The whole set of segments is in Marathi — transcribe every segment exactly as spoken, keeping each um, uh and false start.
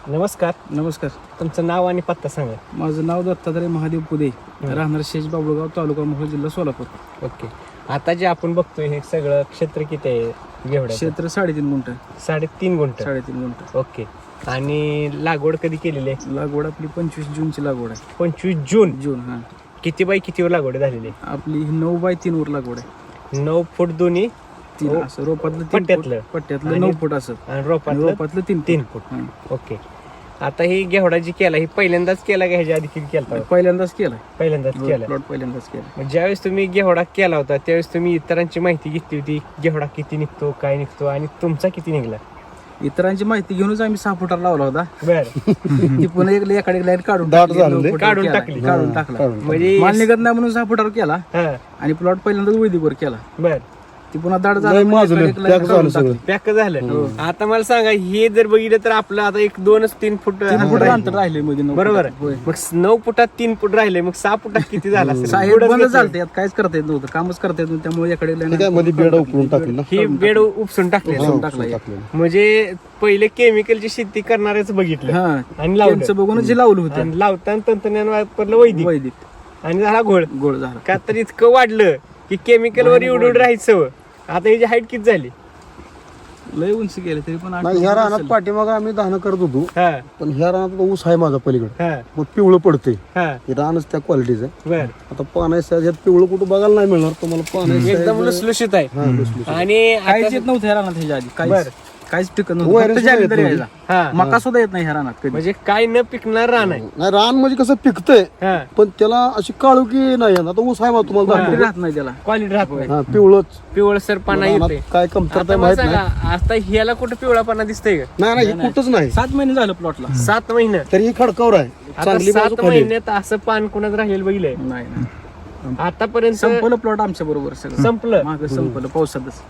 नमस्कार. नमस्कार. तुमचं नाव आणि पत्ता सांगा. माझं नाव दत्तात्रय महादेव पुदे, राहणार शेज बाबळगाव, तालुका मोहोळ, जिल्हा सोलापूर. ओके. आता जे आपण बघतोय हे सगळं क्षेत्र किती आहे घेवड्याचं? क्षेत्र साडेतीन गुंठ. साडेतीन गुंठ. साडेतीन गुंठ. ओके. आणि लागवड कधी केलेली आहे? लागवड आपली पंचवीस जूनची लागवड आहे. पंचवीस जून. जून हा. किती बाय कितीवर लागवड झालेली आहे? आपली ही नऊ बाय तीन वर लागवड आहे. नऊ फूट दोन्ही तीन असं रोपातलं तीन पट्ट्यातलं? फूट, पट्ट्यातलं नऊ फूट असं आणि रोपातलं रोपातलं तीन तीन फूट. ओके. आता ही घेवडा जी केला ही पहिल्यांदाच केला का ह्याच्या आधी किती केला? पहिल्यांदाच केलाय. पहिल्यांदाच केला. प्लॉट पहिल्यांदाच केला. मग ज्यावेळेस तुम्ही घेवडा केला होता त्यावेळेस तुम्ही इतरांची माहिती घेतली होती घेवडा किती निघतो काय निघतो आणि तुमचा किती निघला? इतरांची माहिती घेऊनच आम्ही सहा फुटाला लावला होता. बर. ती पुन्हा एक एखादी लाईन काढून दाट टाकली, झालं नऊ ते. फुटावर काढून केला. टाकली. काढून टाकला. म्हणजे माल निघत नाही म्हणून सहा फुटावर केला हा. आणि प्लॉट पहिल्यांदाच वैदिकवर केला. बर. ती पुन्हा दाड लय झाला माजलं, पॅक झालं सगळं. पॅक झालं. आता मला सांगा हे जर बघितलं तर आपलं आता एक दोनच तीन फूट तीन फुट अंतर राहिले मध्ये नऊ बरोबर. फुटात. होय. मग नऊ फुटात तीन फूट राहिले मग सहा फुटात किती झाला असेल? साहेब पुढंच बंद घेतलं. झालं यात काहीच करता येत नव्हतं, कामच करता येत नव्हतं. त्यामुळे याकडे ते काय मध्ये बेड उकळून टाकली ना. ही बेड उपसून टाकले. उपसून टाकला एक. टाकलेलं. म्हणजे पहिले केमिकलची शेती करणारेच बघितलं हा आणि लावलं. त्यांचं बघूनच जे लावलं होतं आणि लावताना तंत्रज्ञान वापरलं वैदिक वैदिक आणि झाला घोळ. गोळ झाला. का तर इतकं वाढलं की केमिकल वर एवढं एवढं राहायचं. आता ह्याची हाईट किती झाली? लय उंची गेले तरी पण आठ नाही, ह्या फूट रानात असेल. पाठीमाग आम्ही दहानं करत होतो, हा पण ह्या रानात आता ऊस आहे माझा पलीकडे, हा मग पिवळं पडते. हा. हे रानच त्या क्वालिटीचं आहे. बर. आता पाण्याच्या ह्यात पिवळं कुठं बघायला नाही मिळणार तुम्हाला. पाण्याच्या एकदम लुसलुशीत आहे. हा, लुसलुशीत. आणि काहीच आता- येत नव्हतं ह्या रानात ह्याच्या आधी. बर. काहीच काहीच पिकत वैरण नव्हतं. फक्त सुद्धा जाली येत तरी नव्हती. यायचा. हा मका सुद्धा येत नाही ह्या रानात कधी. म्हणजे काय न पिकणार रान आहे. नाही, रान म्हणजे कसं पिकतंय हा. पण त्याला अशी काळुकी नाही येत. आता ऊस आहे मला तुम्हाला क्वालिटी दाखवतो. राहत नाही त्याला. क्वालिटी राहत नाही. हा, पिवळंच पिवळसर पाना रानात येते. काय कमतरता आता मला माहित सांगा नाही. आता ह्याला कुठं पिवळा पाना दिसतंय का? नाही नाही, हे कुठंच नाही. सात महिने झालं प्लॉटला. सात महिने. तरी ही खडकावर आहे. आता चांगली बाजू सात खाली आहे. महिन्यात असं पान कोणाच राहिलेलं बघितलंय नाही नाही. आतापर्यंत? संपलं प्लॉट आमच्या बरोबर सगळं. संपलं. मागं संपलं पावसातच.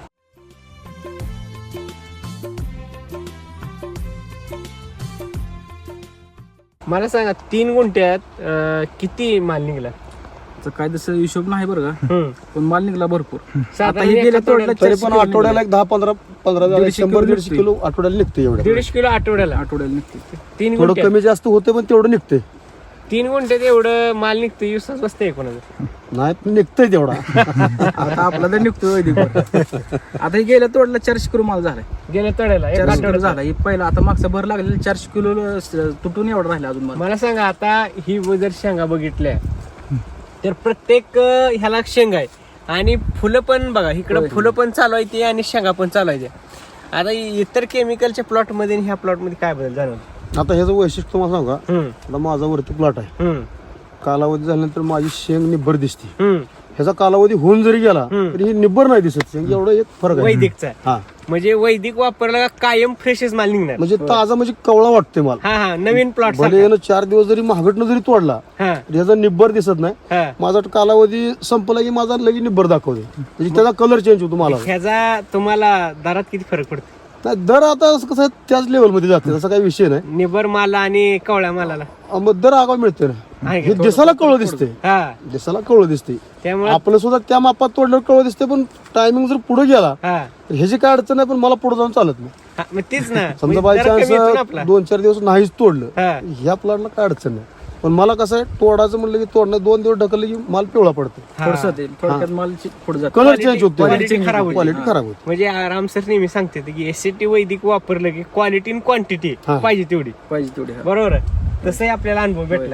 मला सांगा तीन गुंठ्यात अं, किती माल निघला? तर काय तसं हिशोब नाही बरं का, हम्म. पण माल निघला भरपूर. साधारण आता हे एका गेल्या तोड्याला तोड्याला तरी पण आठवड्याला एक दहा पंधरा पंधरा झाले, दीडशे शंभर किलो दीडशे किलो आठवड्याला निघते. एवढं दीडशे किलो आठवड्याला आठवड्याला निघते. तीन थोडं गुंठ्यात कमी जास्त होते पण तेवढं निघते. तीन गुंठ्यात एवढं माल निघतं विश्वास बसतंय कोणाचा? नाही पण निघतंय तेवढा. आता आपला तर निघतोय वैदिकवर. आता हे गेल्या तोडला चारशे किलो माल झालाय. गेल्या तोड्याला एक चारशे किलो आठवड्यात झाला. हे पहिला आता मागचा भर लागलेला चारशे किलो तुटून एवढा राहिला अजून माल. मला सांगा आता ही जर शेंगा बघितल्या तर प्रत्येक अं, ह्याला शेंगा आहे आणि फुलं पण बघा इकडं होय. फुलं पण चालू आहे ते आणि शेंगा पण चालू आहे. आता इतर केमिकलच्या प्लॉट मध्ये आणि ह्या प्लॉट मध्ये काय बदल जाणवतो? आता ह्याचं वैशिष्ट्य तुम्हाला सांगा. हम्म आता माझा वरती प्लॉट आहे. हम्म कालावधी झाल्यानंतर माझी शेंग निब्बर दिसते. हम्म. ह्याचा कालावधी होऊन जरी गेला हम्म. तरी ही निब्बर नाही दिसत. शेंग एवढा एक फरक आहे. वैदिकचा आहे. हा, म्हणजे वैदिक वापरला का कायम फ्रेशच माल निघणार. म्हणजे ताजा म्हणजे कवळा वाटतोय मला. हा हा नवीन प्लॉट भले यानं चार दिवस जरी महागटनं जरी तोडला हा तरी ह्याचा निब्बर दिसत नाही. हा. माझा कालावधी संपला की माझा लगेच निब्बर दाखवते. म्हणजे त्याचा कलर चेंज होतो मला. ह्याचा तुम्हाला दरात किती फरक पडतो? नाही, दर आता असं कसं आहे, त्याच लेवलमध्ये जाते. तसा काही विषय नाही. निबर माला आणि कवळ्या मालाला अं, मग दर आगाव मिळते ना. आहे हे का? दिसायला कवळं दिसते. हा दिसायला कवळं दिसते. त्यामुळे आपलं सुद्धा त्या मापात तोडल्यावर कवळं दिसते. पण टायमिंग जर पुढे गेला हा तर ह्याची काय अडचण नाही. पण मला पुढे जाऊन चालत नाही. हा, मग तीच ना समजा म्हणजे बाय दर कमी येतो ना आपला. चान्स दोन चार दिवस नाहीच तोडलं, हा ह्या प्लॉटला काय अडचण नाही. पण मला कसं आहे, तोडायचं म्हणलं की तोडणं दोन दिवस ढकललं की माल पिवळा पडतो. हा. थोडस ते थोडक्यात माल पुढे जातो. कलर Quality- चेंज होते. quality खराब होते. क्वालिटी खराब होते. म्हणजे आराम सर नेहमी सांगते की एसटी वैदिक वापरलं की क्वालिटी आणि क्वांटिटी हा. पाहिजे तेवढी. पाहिजे तेवढे. हा. बरोबर आहे. तसंही आपल्याला अनुभव भेटलाय.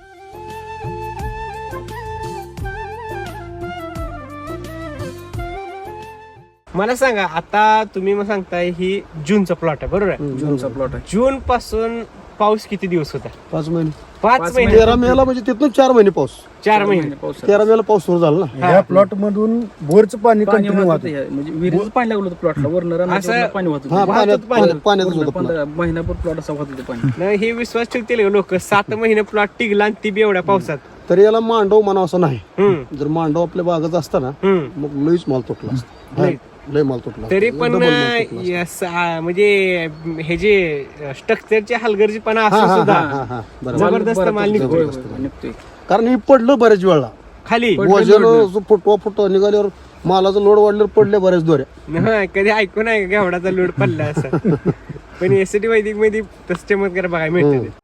मला सांगा आता तुम्ही मग सांगताय ही जूनचा प्लॉट आहे बरोबर आहे? जूनचा प्लॉट आहे. जून पासून पाऊस किती दिवस होता? पाच महिने पाच पाच महिने. तेरा मेला म्हणजे तिथून चार महिने पाऊस. चार महिने. पाऊस तेरा मेला पाऊस सुरू झाला ना. या प्लॉट मधून बोरचं पाणी पाणी कंटिन्यू वाहत वाहतं. होतं. म्हणजे विहिरीचं पाणी लागलं होतं प्लॉटला. वरनं असं- रानात पाणी वाहत हा, होतं. पाण्यात पाणी. पाण्यात- पाण्यातच पूर्ण होतं plot. पंधरा महिनाभर प्लॉट असा वाहत होतं पाणी. नाही हे विश्वास ठेवतील लोक सात महिने प्लॉट टिकला आणि ती बी एवढ्या पावसात. तरी याला मांडव म्हणावं असं नाही. हम्म जर मांडव आपल्या बागत असता ना हम्म मग लईच माल तुटला असता. लई. लय माल तुटला असता. तरी पण Double माल तुटला असता. यस, आ, म्हणजे हे जे स्ट्रक्चरचे हलगर्जीपणा हा, असून हा, हा, सुद्धा हा, हा, बरोबर. जबरदस्त बरं, माल निघतोय. होय, होय, निघतोय. कारण हे पडलं बऱ्याच वेळा. खाली पडलं, वजन लोडलं. फुटवा फुटवा निघाल्यावर मालाचा लोड वाढल्यावर पडले बऱ्याच दोऱ्या. हा, कधी ऐकून आहे का घेवडाचा लोड पडला असं? पण एसटी वैदिक मध्ये तसं चमत्कार बघायला मिळते ते.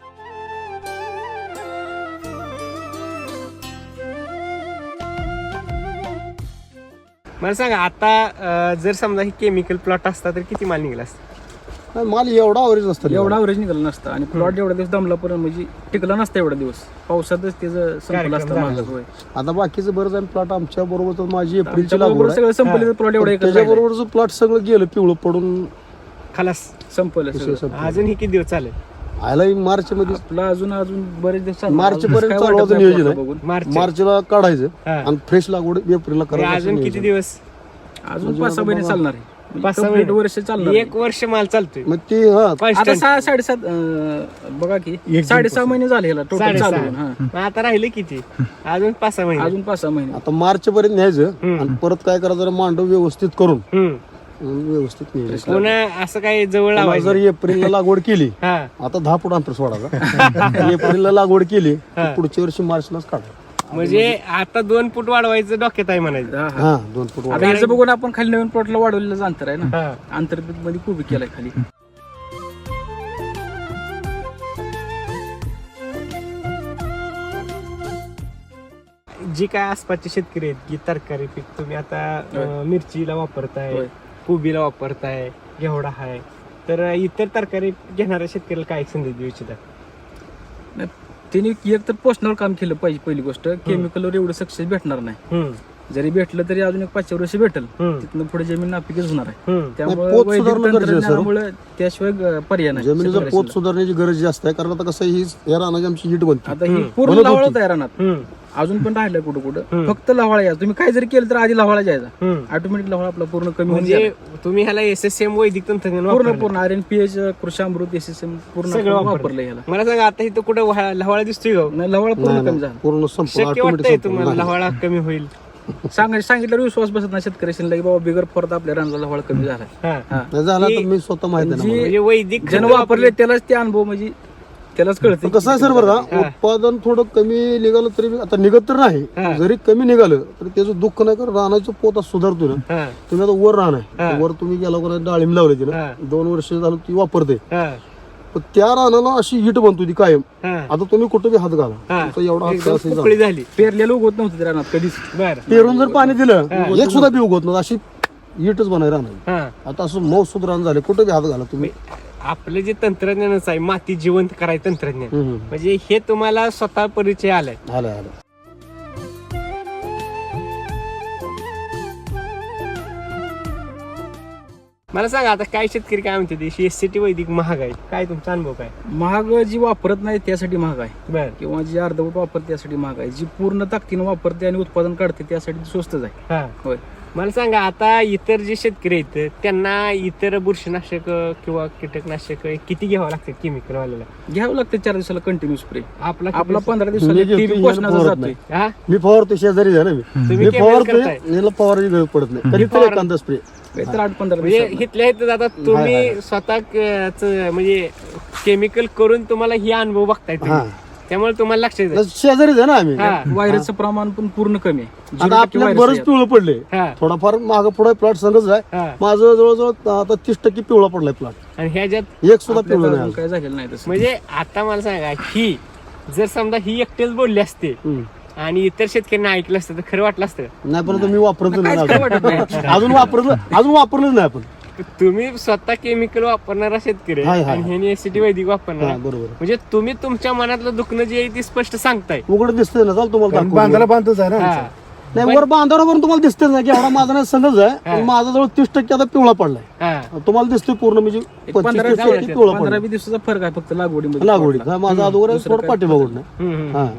मला सांगा आता अं, जर समजा ही केमिकल प्लॉट असता तर किती माल निघाला असता? नाही, माल एवढा अवरेज नसतं एवढा अवरेज निघाला नसता आणि प्लॉट एवढा दिवस दमला पण म्हणजे टिकला नसता एवढा दिवस पावसातच त्याचं संपलं असतं कार्यक्रम मागं. होय. आता बाकीचं बरंच आहे प्लॉट आमच्या बरोबर तर माझी एप्रिलची आमच्या लागवड बरोबर आहे. सगळं संपलं प्लॉट एवढा एकच राहिला. त्याच्याबरोबरचं प्लॉट सगळं गेलं पिवळं पडून खलास संपलं सगळं. विशेष संपलं. अजून ही किती दिवस चालेल? आयला मार्च मध्ये आपला अजून अजून बरेच दिवस चालणार. मार्च अजून पर्यंत काय चालू वाटत होतं नाही नियोजन आपल्याला आहे. बघून. मार्च मार्चला काढायचं हा. आणि फ्रेश लागवड एप्रिलला म्हणजे करायचं अजून असं किती नियोजन. दिवस? अजून पाच सहा महिने चालणार आहे म्हणजे पाच सहा complete महिने? वर्ष चालणार एक वर्ष माल चालतोय मग ते हा आता Constant. सहा साडेसात अं, बघा की एक साडेसहा महिने झाले ह्याला टोटल साडेसहा. चालू होऊन, हा. मग आता राहिले किती? अजून पाच सहा महिने. अजून पाच सहा महिने आता मार्च पर्यंत न्यायचं हम्म. आणि परत काय करायचं जरा मांडव व्यवस्थित करून हम्म. व्यवस्थित न्यायचं. पुन्हा असं काही जवळ पुन्हा लावायचं? जर एप्रिलला लागवड केली हा आता दहा फूट अंतर सोडायचा एप्रिलला लागवड केली हा. तर पुढच्या वर्षी मार्चलाच काढा. म्हणजे आता दोन फूट वाढवायचं डोक्यात आहे म्हणायचं. हा, हा. हा दोन फूट वाढ. आता याचं बघून आपण खाली नवीन प्लॉटला वाढवलेलं अंतर आहे ना हा. अंतर्गत मध्ये खूप केलाय खाली. जी काय आसपासचे शेतकरी आहेत की तरकारी पीक तुम्ही आता अं, मिरचीला वापरताय, होय. कोबीला वापरताय, घेवडा आहे, तर इतर तरकारी घेणाऱ्या शेतकऱ्याला काय संदेश देऊ इच्छिता? नाही, त्यांनी एक तर पोषणावर काम केलं पाहिजे. पहिली गोष्ट केमिकलवर एवढं सक्सेस भेटणार नाही. हम्म. जरी भेटलं तरी अजून एक पाचशे वर्ष भेटल हम्म. तिथनं पुढे जमीन नापिकच होणार आहे. हम्म. त्यामुळे पोत वैदिक सुधारणं गरजेचं आहे, सर. तंत्रज्ञानामुळे त्याशिवाय ग- पर्याय नाही. जमिनीचं शेतकऱ्याला. पोत सुधारण्याची गरज जास्त आहे कारण आता कसं ही या रानाची आमची हिट बनते आता ही हम्म. पूर्ण बनत लवाळ होती. होत आहे रानात. हम्म. अजून पण राहिलं कुठं कुठं हम्म. फक्त लवाळा यायचा. तुम्ही काय जरी केलं तर आधी लवाळा जायचा. हम्म. ऑटोमॅटिक लवाळा आपला पूर्ण कमी होऊन म्हणजे गेला. तुम्ही ह्याला एस एस एम वैदिक तंत्रज्ञान पूर्ण वापरलंय. पूर्ण R N P H Krishamrut S S M पूर्ण सगळं आपण वापरलं. वापरलं याला. मला सांगा आता इथं कुठं वहा- लवाळा दिसतोय का? नाही लवाळा नाही, पूर्ण कमी नाही, झाला. पूर्ण संपूर्ण शक्य वाटतंय ऑटोमॅटिक तुम्हाला संपूर्ण लवाळा कमी होईल? सांग सांगितल्यावर विश्वास बसत नाही शेतकऱ्याशी की बाबा बिगर फोरत आपल्या रानाला लवाळा कमी झाला. हा. हा. नाही झाला तर की- मी स्वतः माहिती आहे ना जी- मला. म्हणजे वैदिक ज्यानं खतं वापरले त्यालाच ते अनुभव म्हणजे त्यालाच कळतं. पण कसं आहे सर बरं का हा. उत्पादन थोडं कमी निघालं तरी बी- आता निघत तर हा. नाही जरी कमी निघालं तरी त्याचं दुःख नाही कारण रानाचं पोत आज सुधारतो ना. हा. तुम्ही आता वर राहणार हा. वर तुम्ही गेला कोणा डाळिंब लावली ती हा. ना दोन वर्ष झालं ती वापरते हा. पण त्या रानाला अशी हिट बनतो ती कायम. हा. आता तुम्ही कुठे बी हात घाला हा. तुमचा एवढा हात एकदम असेल पोकळी झाली. पेरलेलं उगवत नव्हतं त्या रानात कधीच. बर. पेरून जर पाणी दिलं एक सुद्धा बी उगवत नव्हतं अशी हिटच बनाय राहणार. हा. आता असं मऊ सुध रान झाले कुठे बी हात घाला तुम्ही. आपलं जे तंत्रज्ञानच आहे माती जिवंत करायचं तंत्रज्ञान हम्म, हम्म. म्हणजे हे तुम्हाला स्वतः परिचय आलाय. आलं आलं मला सांगा आता काय शेतकरी काय म्हणते ते एस सी टी वैदिक महाग आहे, काय तुमचा अनुभव काय? महाग जी वापरत नाही त्यासाठी महाग आहे बर. किंवा जी अर्धवट वापरते त्यासाठी महाग आहे. जी पूर्ण ताकदीनं वापरते आणि उत्पादन काढते त्यासाठी स्वस्तच आहे. हा. होय. मला सांगा आता इतर जे शेतकरी आहेत त्यांना इतर बुरशीनाशक किंवा कीटकनाशक किती घ्यावं लागतं केमिकल वाल्याला? घ्यावं लागतं चार दिवसाला कंटिन्यू स्प्रे. आपला आपला पंधरा मी दिवसाला घेतो, ती याला पोषणाचा फवारत जातोय. नाही. हा? मी फवारतो शेजारी आहे ना मी तुम्ही मी chemical फवारतोय करताय? याला फवाराची गरज पडत नाही कधी फवार- तरी एखादा स्प्रे. तर आठ पंधरा म्हणजे दिवसाला. इथल्या इथं आता हाय, तुम्ही हाय. स्वतः क- च- म्हणजे केमिकल करून तुम्हाला ही अनुभव बघताय तुम्ही. हा. त्यामुळे तुम्हाला लक्षात येईल. शेजारीच आहे ना आम्ही. हा. व्हायरसचं प्रमाण पण पूर्ण कमी आहे. आता झिरो टक्के आपल्याला व्हायरस बरंच आहे. पिवळं पडले हा. थोडाफार माग पुढे प्लॉट संगच आहे. हा. माझं जवळजवळ आता तीस टक्के पिवळा पडलाय प्लॉट आणि ह्याच्यात एक सुद्धा आपल्याला पिवळं अजून नाही काय झालेलं नाही तसं. म्हणजे आता मला सांगा ही जर समजा ही एकटेच बोलली असते हम्म. आणि इतर शेतकऱ्यांना ऐकलं असतं तर खरं वाटलं असतं. नाही पण आता मी वापरत काहीच नाही काय वाटत नाही. अजून. अजून वापरलं अजून वापरलंच नाही आपण. तुम्ही स्वतः केमिकल वापरणारा शेतकरी आहे हाय, हाय. आणि ह्यानी एसिटी वैदिक हा, वापरणार बरोबर म्हणजे तुम्ही तुमच्या मनातलं दुखणं जे आहे ते स्पष्ट सांगताय. उघड दिसतंय ना चाल तुम्हाला कारण दाखवतो. बांधायला बांधतच आहे ना हा. आमचं. नाही वर बांधावर पण तुम्हाला दिसतंय ना की एवढा माझा नाही संगच आहे पण माझा जवळ तीस टक्के आता पिवळा पडलाय. हा. तुम्हाला दिसतोय पूर्ण म्हणजे एक पंचवीस पंधरा तीस टक्के दिवस- पिवळा पंधरा पडलाय वीस दिवसाचा फरक आहे फक्त लागवडीमध्ये. लागवडीत. हा, माझा अगोदर आहे, दुसरं थोडं काय पाठीमागून नाही. हम्म, हम्म. हा.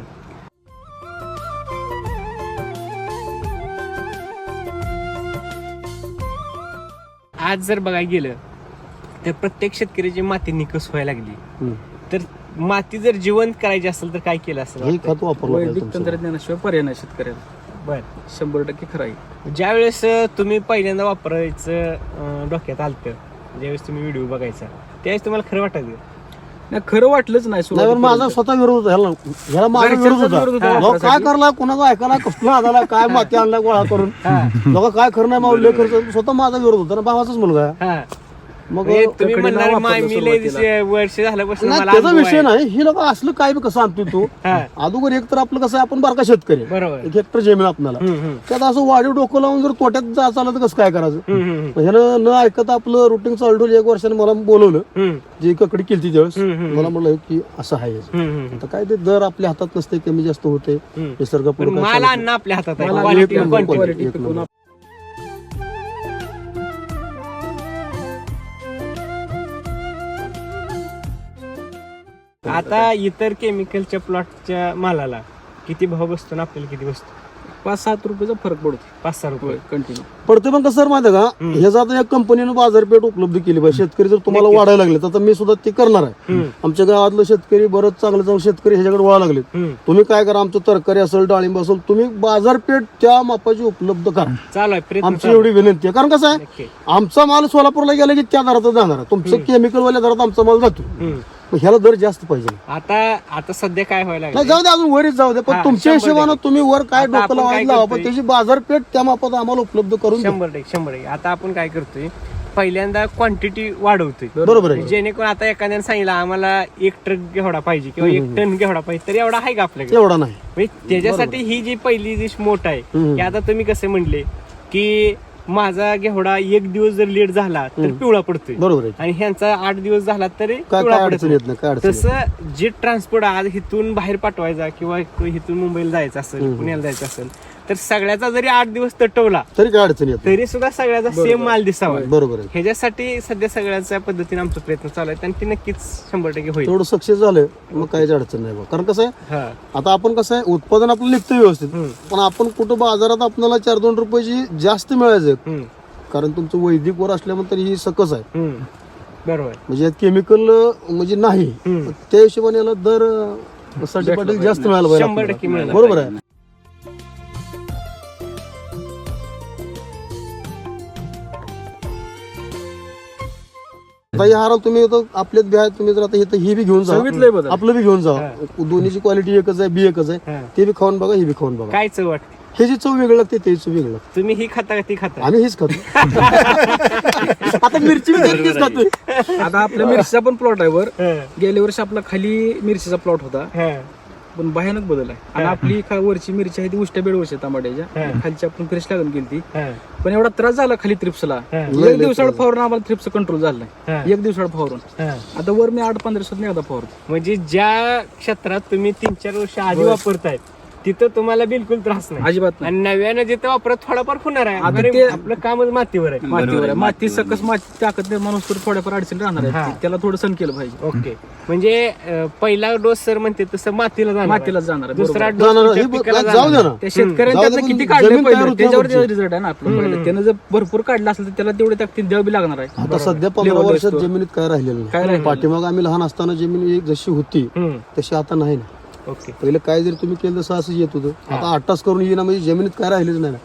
आज जर बघायला गेलं तर प्रत्येक शेतकऱ्याची माती निकस व्हायला लागली. हम्म. तर माती जर जिवंत करायची असेल तर काय केलं असेल हे वाटतंय? खत वापरलं पाहिजे वैदिक तुमचं. तंत्रज्ञानाशिवाय पर्याय नाही शेतकऱ्याला. बर. शंभर टक्के खरं आहे. ज्या वेळेस तुम्ही पहिल्यांदा वापरायचं अं, डोक्यात आलतं ज्यावेळेस तुम्ही व्हिडिओ बघायचा त्यावेळेस तुम्हाला खरं वाटायचं? नाही खरं वाटलंच नाही नाही पण सुरुवातीपर्यंत. माझा स्वतः विरोध होता ह्याला ह्याला माझा घरच्यांचाच विरोध होता. विरोध होता लोक काय वापरासाठी. करला कुणाचा ऐकायला कसला आला काय माती आणला गोळा करून लोक काय खरं नाही मावले खर्च स्वतः माझा विरोध होता ना भावाचाच मुलगा आहे. हा. मग म्हणजे तुम्ही ककडे म्हणणार नाव माय वापरलं मी लय सुरुवातीला. दिवशी- वर्ष झाल्यापासून नाही मला त्याचा अनुभव विषय आहे. नाही ही लोक असलं काय बी कसं आणतो तू हा. अगोदर एक तर आपलं कसं आहे, आपण बारका शेतकरी आहे. बरोबर. एक हेक्टर जमीन आपल्याला हम्म, हम्म. त्यात असं वाढीव डोकं लावून जर तोट्यात जा चाललं तर कसं काय करायचं हम्म, हम्म, मग ह्यानं न ऐकता आपलं रुटीन चालू ठेवलं. एक वर्षाने मला बोलवलं हम्म, जी ककडी केली त्यावेळेस हम्म, हम्म. मला म्हणलं की असं आहे याचं. हम्म, हम्म. आता काय ते दर आपल्या हातात नसते, कमी जास्त होते हम्म. निसर्ग पण माल आणणं आपल्या हातात आहे मला Quality एक and नंबर, quantity. quality. क्वालिटी पिकवून आता इतर केमिकलच्या प्लॉटच्या मालाला किती भाव बसतो ना आपल्याला किती बसतो? पाच सात रुपयाचा फरक पडतो पाच सहा रुपये कंटिन्यू. पडते पण कसं माहिती आहे का ह्याचा आता या कंपनीनं बाजारपेठ उपलब्ध केली पाहिजे. शेतकरी जर तुम्हाला वाढायला लागले तर आता मी सुद्धा ते करणार आहे. हम्म, आमच्या गावातलं शेतकरी बरंच चांगलं चांगलं शेतकरी ह्याच्याकडे वळा लागले. हम्म. तुम्ही काय करा, आमचं तरकारी असेल डाळिंब असेल, तुम्ही बाजारपेठ त्या मापाची उपलब्ध करा. चालू आहे प्रयत्न आमची चालू एवढी विनंती आहे. कारण कसं आहे, नक्की. आमचा माल सोलापूरला गेला की त्या दरातच जाणार आहे. तुमचं केमिकलवाल्या दरात आमचा माल जातो. हम्म. मग ह्याला दर जास्त पाहिजे. आता आता सध्या काय व्हायला नाही लागलं जाऊ दे, अजून वरच जाऊ दे, पण हा, तुमच्या शंभर हिशोबानं टक्के. तुम्ही वर काय आता डोकं आपण काय लावायला लावा, पण करतोय? त्याची बाजारपेठ त्या मापात आम्हाला उपलब्ध करून द्या. शंभर टक्के शंभर टक्के आता आपण काय करतोय पहिल्यांदा क्वांटिटी वाढवतोय बरोबर आहे. जेणेकरून आता एखाद्याने सांगितलं आम्हाला एक ट्रक घेवडा पाहिजे किंवा एक टन घेवडा पाहिजे तर एवढा आहे का आपल्याकडे? एवढा नाही. म्हणजे त्याच्यासाठी ही जी पहिली जी मोठ आहे हम्म. की आता तुम्ही कसे म्हणले की माझा घेवडा एक दिवस जर लेट झाला तर पिवळा पडतोय बरोबर आहे. आणि ह्यांचा आठ दिवस झाला तरी काय पिवळा काय पडत अडचण नाही. येत नाही, काय अडचण येत तसं जे ट्रान्सपोर्ट आज इथून बाहेर पाठवायचा किंवा इथून मुंबईला जायचं असेल पुण्याला जायचं असेल तर सगळ्याचा जरी आठ दिवस तटवला नाही. तरी काय अडचण येत नाही. तरी सुद्धा सगळ्याचा सेम माल दिसावा बरोबर आहे. ह्याच्यासाठी सध्या सगळ्याच्या पद्धतीने आमचा प्रयत्न चालू आहे आणि ती नक्कीच शंभर टक्के होईल. तेवढं सक्सेस झालं मग काहीच अडचण नाही बा. कारण कसं आहे, हा. आता आपण कसं आहे, उत्पादन आपलं निघतं व्यवस्थित, हम्म. पण आपण कुठं बाजारात आपल्याला चार दोन रुपयाची जास्त मिळायचं, हम्म. कारण तुमचं वैदिक वर असल्यानंतर ही सकस आहे. हम्म. बरोबर. म्हणजे यात केमिकल म्हणजे नाही, हम्म. त्या हिशोबाने याला दर अं, साठी पाटील जास्त मिळायला पाहिजे शंभर टक्के आपल्याला. मिळालं बरोबर आहे. आता या हाराला तुम्ही आता आपल्यात बी आहे, तुम्ही जर आता इथं ही बी घेऊन जा, सांगितलंय बदल. आपलं बी घेऊन जा. दोन्हीची क्वालिटी एकच आहे, बी एकच आहे. हा. ते बी खाऊन बघा, हे बी खाऊन बघा. काय चव वाटते हे जी चव वेगळं लागते ते चव वेगळं लागते. तुम्ही ही खाता का ती खाता? आम्ही हेच खातो. आता मिरची बी तेच खातोय. आता आपल्या मिरचीचा पण प्लॉट आहे वर. हा. गेल्या वर्षी आपला खाली मिरचीचा प्लॉट होता, हा. पण भयानक बदल आहे. आणि आपली खा- वरची मिरची आहे ती उष्ट्या बेडवरची टमाट्याच्या, हा. खालची आपण फ्रेश लागून केली ती. हा. पण एवढा त्रास झाला खाली थ्रिप्सला, हा. एक दिवसाड फवारून आम्हाला थ्रिप्स कंट्रोल झालाय. हा. एक दिवसाड फवारून हा. आता वर मी आठ पंधरा दिवसात एकदा फवारतो. म्हणजे ज्या क्षेत्रात तुम्ही तीन चार वर्ष आधी वापरताय तिथं तुम्हाला बिलकुल त्रास नाही अजिबात नाही. आणि नव्यानं जिथं वापरत थोडाफार होणार आहे आता अरे, ते- आपलं कामच मातीवर आहे. मातीवर आहे. माती सकस माती टाकत नाही माणूस तर थोड्याफार अडचण राहणार हा. आहे. त्याला थोडं सण केलं पाहिजे. ओके म्हणजे अं, पहिला डोस सर म्हणते तसं मातीला जाणार आहे. मातीला जाणार आहे, दुसरा बरोबर. डोस जाणार तुमच्या हे बघ, पिकाला जाऊ जाणार द्या आहे. ना. त्या शेतकऱ्यांनी जाऊ दे, त्यातनं पण किती काढले जमीन तयार पहिले होती त्याच्यावर आमची. रिझल्ट आहे ना आपलं पहिलं. त्यानं जर भरपूर काढलं असेल तर त्याला तेवढे ताकद द्यावी लागणार आहे. आता सध्या पंधरा Level वर्षात असतो. जमिनीत काय राहिलेलं काय नाही. राहिलेलं पाठीमाग आम्ही लहान असताना जमीन एक जशी होती हम्म. तशी आता नाही ना. ओके पहिले काय जरी तुम्ही केलं तसं असं येत होतं. आता आठ तास करून येईना म्हणजे जमिनीत काय राहिलेच नाही ना.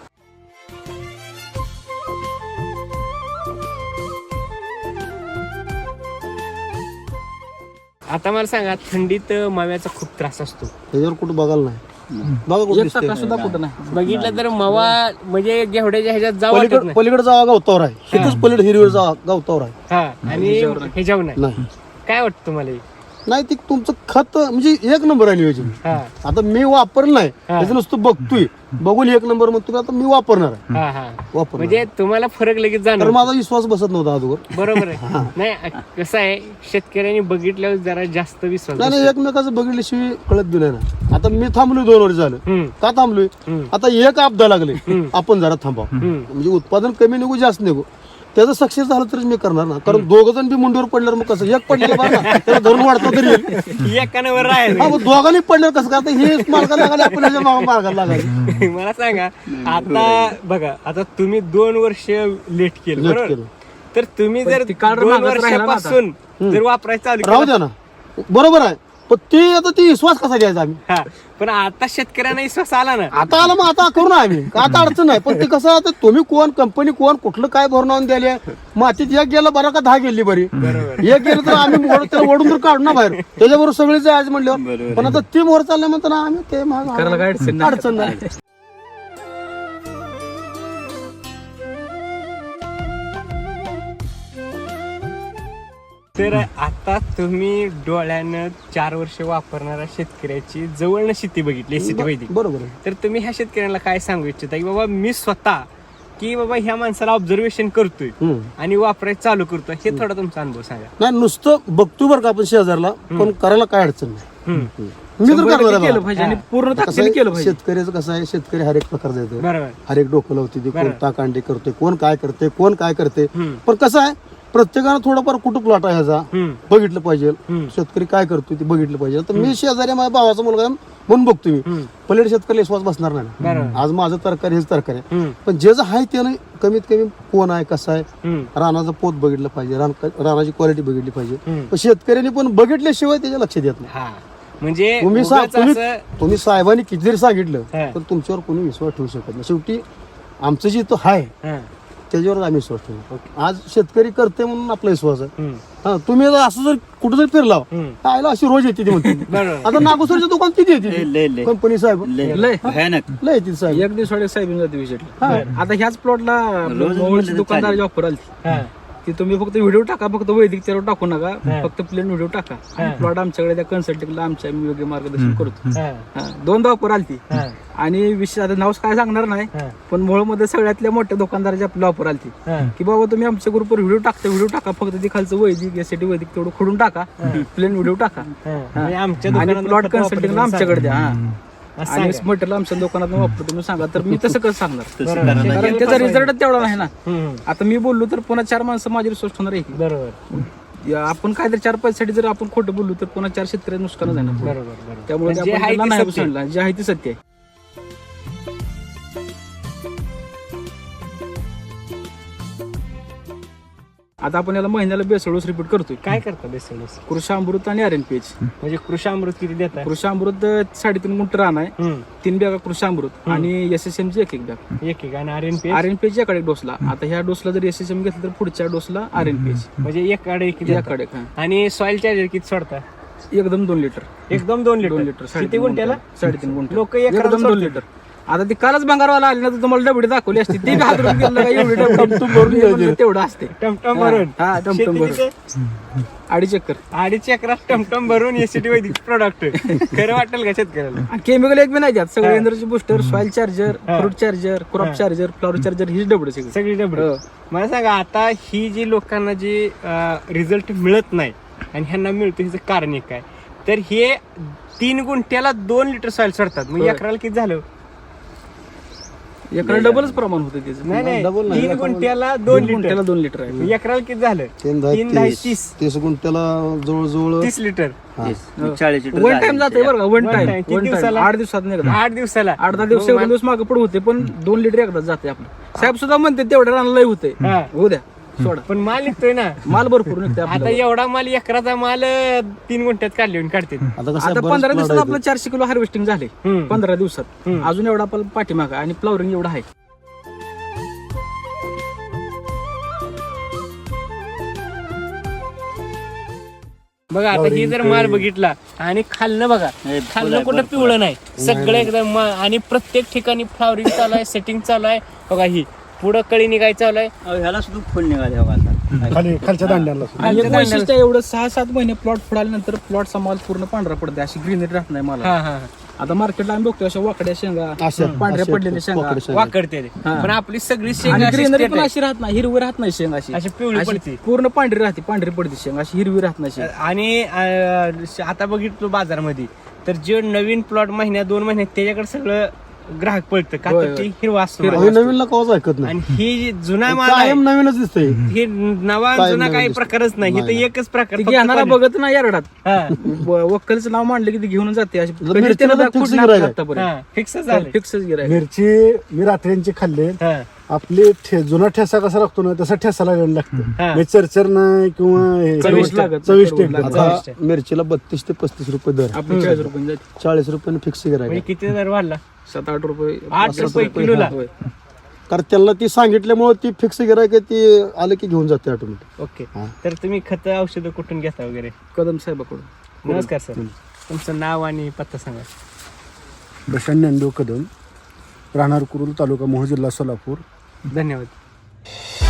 आता मला सांगा थंडीत माव्याचा खूप त्रास असतो. त्याच्यावर कुठं बघायला नाही. बघा कुठं एक दिसतंय. टक्का सुद्धा कुठं नाही. बघितलं तर मावा म्हणजे घेवड्याच्या ह्याच्यात जावं वाटत पलीकडे नाही. पलीकडे जावा गावतावर आहे, इथंच पलीकडे हिरवीवर जावा गावतावर आहे. हा आणि ह्याच्यावर नाही. नाही काय वाटतं तुम्हाला हे? नाही ते तुमचं खत म्हणजे एक नंबर आहे नियोजन. हा आता मी वापरलं नाही, त्याचं नुसतं बघतोय, बघून एक नंबर म्हणतो आता मी वापरणार आहे. हा हा वापरणार म्हणजे तुम्हाला फरक लगेच तर जाणार. माझा विश्वास बसत नव्हता अगोदर. बरोबर आहे. नाही कसं आहे शेतकऱ्यांनी बघितल्यावर जरा जास्त विश्वास नाही नाही बसतो. एकमेकाचं बघितल्याशिवाय कळत बी नाही ना. आता मी थांबलोय दोन वर्ष झालं. हम्म, का थांबलोय? हम्म, आता एक आपदा लागले, आपण जरा थांबाव. हम्म. म्हणजे उत्पादन कमी निघू जास्त निघू, त्याचं सक्सेस झालं तरच मी करणार ना. कारण दोघ जण बी मुंडीवर पडल्यावर मग कसं एक पडलेलं बरं ना, त्याला धरून वाढतो तरी येईल. एकानं वर राहायचं. हा, मग दोघांनी पडल्यावर कसं काय? आता हे मार्गाला लागायला आपण ह्याच्या मागं मार्गाला लागायचं. मला सांगा आता बघा आता तुम्ही दोन वर्ष लेट केलं लेट बरोबर केलं. तर तुम्ही जर ती कार्ड दोन मागच राहिला ना आता. वर्षापासून जर वापरायचं चालू राहू केलं- द्या ना, बरोबर आहे. पण ते आता ती विश्वास कसा घ्यायचा आम्ही? हा पण आता शेतकऱ्यांना विश्वास आला ना. आता आलं मग आता करू ना आम्ही, का आता अडचण नाही. पण ते कसं आता तुम्ही कोण, कंपनी कोण, कुठलं काय भरून आणून द्यायला मातीत एक गेलं बरं का दहा गेली बरी. एक गेलं तर आम्ही ओढ- त्याला ओढून तर काढू ना बाहेर. त्याच्याबरोबर सगळीच आज म्हणल्यावर. पण आता ती मोर चालल्या म्हणताना आम्ही ते मागं- करायला काय अडचण नाही. अडचण नाही. तर आता तुम्ही डोळ्यानं चार वर्ष वापरणाऱ्या शेतकऱ्याची जवळनं शेती बघितली शेती वैदिक, बरोबर आहे. तर तुम्ही ह्या शेतकऱ्यांना काय सांगू इच्छिता की बाबा मी स्वतः की बाबा ह्या माणसाला ऑब्झर्वेशन करतोय हम्म. आणि वापरायचं चालू करतोय, हे थोडा तुमचा अनुभव सांगा. नाही नुसतं बघतो बरं का आपण शेजारला, पण करायला काय अडचण नाही. हम्म. मी तर शंभर करणार टक्के आहे केलं बघा. पाहिजे आणि पूर्ण कसं ताकदीने आहे, केलं पाहिजे. शेतकऱ्याचं कसं आहे, शेतकरी हर एक प्रकारचा येतो, बरोबर. हर एक डोकं लावते ते, कोण बरोबर. टाकांडी करते, कोण काय करते, कोण काय करते. हम्म. पण कसं आहे, प्रत्येकानं थोडंफार कुठं प्लॉट आहे ह्याचा हम्म. बघितलं पाहिजे. हम्म. शेतकरी काय करतोय ते बघितलं पाहिजे. तर मी शेजारी माझ्या भावाचा मुलगा आहे म्हणून बघतो मी. हम्म. पलीकडे शेतकरी विश्वास बसणार नाही ना. बरोबर. आज माझं तरकारी हेच तरकारी आहे. हम्म. पण जे जे आहे त्यानं कमीत कमी कोण आहे, कसं आहे, हम्म. रानाचं पोत बघितलं पाहिजे, रान रानाची क्वालिटी बघितली पाहिजे. हम्म. पण शेतकऱ्यांनी पण बघितल्याशिवाय त्याच्या लक्षात येत नाही. हा म्हणजे तुम्ही सा- उगाच तुम्ही असं- तुम्ही साहेबांनी किती जरी सांगितलं हा. पण तुमच्यावर कोणी विश्वास ठेवू शकत नाही. शेवटी आमचं जे तो आहे हा. त्याच्यावर आम्ही विश्वास ठेवू. ओके. आज शेतकरी करते म्हणून आपला विश्वास आहे. हम्म. हा तुम्ही जर असं जर कुठं जर फिरला हम्म. आयला अशी रोज येते ती म्हणते. बरोबर. आता नागोसरच्या दुकान किती येते कंपनी साहेब लय भयानक. लय येते साहेब. एक दिवस साहेब जाते विजिटला. हा. आता ह्याच प्लॉटला मोबाईलची दुकानदाराची ऑफर आली हा. की तुम्ही फक्त व्हिडिओ टाका, फक्त वैदिक त्यावर टाकू नका, हा. फक्त प्लेन व्हिडिओ टाका. हा. प्लॉट आमच्याकडे त्या कन्सल्टिंगला आमच्या आम्ही योग्य मार्गदर्शन करतो. हा. हा. दोनदा ऑफर आली हा. आणि विषय आता नाव काय सांगणार नाही, हा. पण मोहळमध्ये सगळ्यातल्या मोठ्या दुकानदाराची आपली ऑफर आली हा. की बाबा तुम्ही आमच्या ग्रुपवर व्हिडिओ टाकता, व्हिडिओ टाका, फक्त ते खालचं वैदिक यासाठी वैदिक तेवढं खोडून टाका, प्लेन व्हिडिओ टाका हा. हा. म्हणजे आमच्या आणि दुकानात प्लॉट फक्त वापरतो कन्सल्टिंगला म्हणून आमच्याकडे द्या. हा. असं आणि सांगा. मटेरियल आमच्या दुकानात वापरतो तुम्ही सांगा, तर मी तसं कसं सांगणार, बरोबर. कारण त्याचा रिझल्ट तेवढा नाही ना. हम्म. आता मी बोललो तर पुन्हा चार माणसं माझी रिसोर्स होणार आहे की. बरोबर. या आपण काहीतरी चार पैशासाठी जर आपण खोटं बोललो तर पुन्हा चार शेतकऱ्यांना नुकसान आहे ना. बरोबर. बरोबर. त्यामुळे जे आपण आहे त्यांना ते नाही सत्य. सांगितलं, जे आहे ते सत्य आहे. आता आपण याला महिन्याला बेसळूस रिपीट करतोय. काय करता बेसळूस? कृषी अमृत आणि आर एन पी एच. म्हणजे कृषी अमृत किती देता? कृषी अमृत साडेतीन गुंठ रान आहे, हम्म. तीन बॅगा कृषी अमृत आणि एस एस एम ची एक एक बॅग. एक एक आणि R N P R N P H याकडे डोसला. आता ह्या डोसला जर एस एस एम घेतलं तर पुढच्या डोसला आर एन पी एच म्हणजे एक आडे किती देता? याकडे. हा. आणि सॉइल चार्जर किती सोडता? एकदम दोन लिटर एकदम दोन लिटर दोन लिटर किती साडेतीन गुंठ्याला? गुंठ्याला? साडेतीन गुंठ लोक एक एकदम दोन सोडतात. लिटर. आता ती कालच भंगारवाला आली ना तर तुम्हाला डबडी दाखवली असती, ती हात रुपये गेलं का एवढी डबडी भरून म्हणलं तेवढं असते. टमटम भरून हा, टमटम शेती भरून. तिथे अडीच एकर. अडीच एकरात टमटम भरून एसीटी वैदिक प्रोडक्ट खरं वाटेल का शेतकऱ्याला? आणि केमिकल एक बी नाही त्यात, सगळे हा. एनर्जी बुस्टर, सॉइल चार्जर, हा. फ्रूट चार्जर, हा. क्रॉप चार्जर, फ्लॉवर चार्जर, हीच डबडी सगळी. सगळी डबडी. हो. मला सांगा आता ही जी लोकांना जी रिझल्ट मिळत नाही आणि ह्यांना मिळतो ह्याचं कारण एक काय, तर हे तीन गुंठ्याला दोन लिटर सॉइल सोडतात, मग होय. एकराला किती झालं? एकरा डबलच प्रमाण होतं त्याचं. नाही नाही डबल नाही, तीन एकराला- गुंठ्याला दोन दोन लिटर गुंठ्याला दोन लिटर आहे. एकराला किती झालं? तीन दहा तीन दहा तीस तीस तीस गुंठ्याला जवळजवळ तीस लिटर चाळीस वन टाइम जाते बरं का, वन One टाइम time. किती वन टाइम दिवसाला? आठ दिवसात नाही एकदा. आठ दिवसाला आठ दहा दिवस मग एक मा- दिवस मागे पड होते, पण दोन लिटर एकदाच जाते आपलं. साहेब सुद्धा म्हणते तेवढ्या रानाला होते. हा. हो द्या सोडा, पण माल निघतोय ना. माल भरपूर निघते आता आपल्याला. एवढा माल एकराचा माल अं, तीन गुंठ्यात काढले काढते. आता कसं आहे, आता बरेच पंधरा plot दिवसात आहेत. आपलं चारशे किलो हार्वेस्टिंग झाले. हम्म. पंधरा दिवसात हम्म. अजून एवढा आपला पाठीमागा आणि फ्लॉवरिंग एवढा आहे. बघा आता ही जर माल बघितला आणि खालनं बघा, हे खालनं फुलं कुठं पिवळं नाही, सगळं एकदम मा- आणि प्रत्येक ठिकाणी फ्लॉवरिंग चालू आहे, सेटिंग चालू आहे. बघा ही पुढं कळी निघाय चालू आहे. ह्याला सुद्धा फुल निघाले बघा आता. खाली खालच्या दांड्याला आणि एक वैशिष्ट्य आहे, एवढं सहा सात महिने प्लॉट फुडाल्यानंतर प्लॉटचा माल पूर्ण पांढरा पडते, अशी ग्रीनरी राहत नाही मला. हा हा आता मार्केटला आम्ही बघतो अशा वाकड्या शेंगा, अशा पांढऱ्या अशा पडलेल्या शेंगा वाकड्या शेंगा. वाकडते ते. हा. पण आपली सगळी आणि शेंगा अशी ग्रीनरी straight पण आहे. अशी राहत नाही, हिरवी राहत नाही शेंग अशी अशी पिवळी अशी पडते. पूर्ण पांढरी राहते, पांढरी पडते शेंग, अशी हिरवी राहत नाही शेंग. आणि अं, आता बघितलो बाजारामध्ये तर जे नवीन प्लॉट महिन्यात दोन महिन्यात त्याच्याकडे सगळं ग्राहक पळतं का, होय, तर होय. ती हिरवा असतो हिरवा माल. आम्ही नवीनला कवाच ऐकत नाही. आणि ही जी जुना माल आहे कायम नवीनच दिसतंय. हे नवा कायम जुना नवीन काही दिसतं. प्रकारच नाही, हे तर नाही. एकच प्रकार ती फक्त घेणारा quality. बघत नाही यारडात, हा. वक्कलचं नाव मांडलं की ती घेऊन जाते अशी. मिरचीला कधीच त्याला तर दाखवून fix नाही गिऱ्हाईक आहे. आतापर्यंत. हा, fix झालं. फिक्सच गिराय. मिरची मी रात्र्यांची खाल्ले. हा, आपली ठे- जुना ठेसा कसा लागतो ना तसा ठेसा लागायला लागतो. हा. म्हणजे चरचर नाही किंवा हे- चविष्ट लागत. चविष्ट चविष्ट एकदम. लागत. आता मिरचीला बत्तीस ते पस्तीस रुपये दर, आपली चाळीस रुपये जाते, चाळीस रुपयाने फिक्स म्हणजे गिरायक. किती दर वाढला? सात आठ रुपये आठ सात रुपये किलोला? होय. कारण त्यांना ती सांगितल्यामुळे ती फिक्स गिरायक ती आलं की घेऊन जाते ऑटोमॅटिक. ओके. हा. तर तुम्ही खत औषधं कुठून घेता वगैरे? कदम साहेबाकडून. नमस्कार सर, तुमचं नाव आणि पत्ता सांगा. प्रशांत ज्ञानदेव कदम, राहणार कुरुल, तालुका मोहोळ, जिल्हा सोलापूर. धन्यवाद.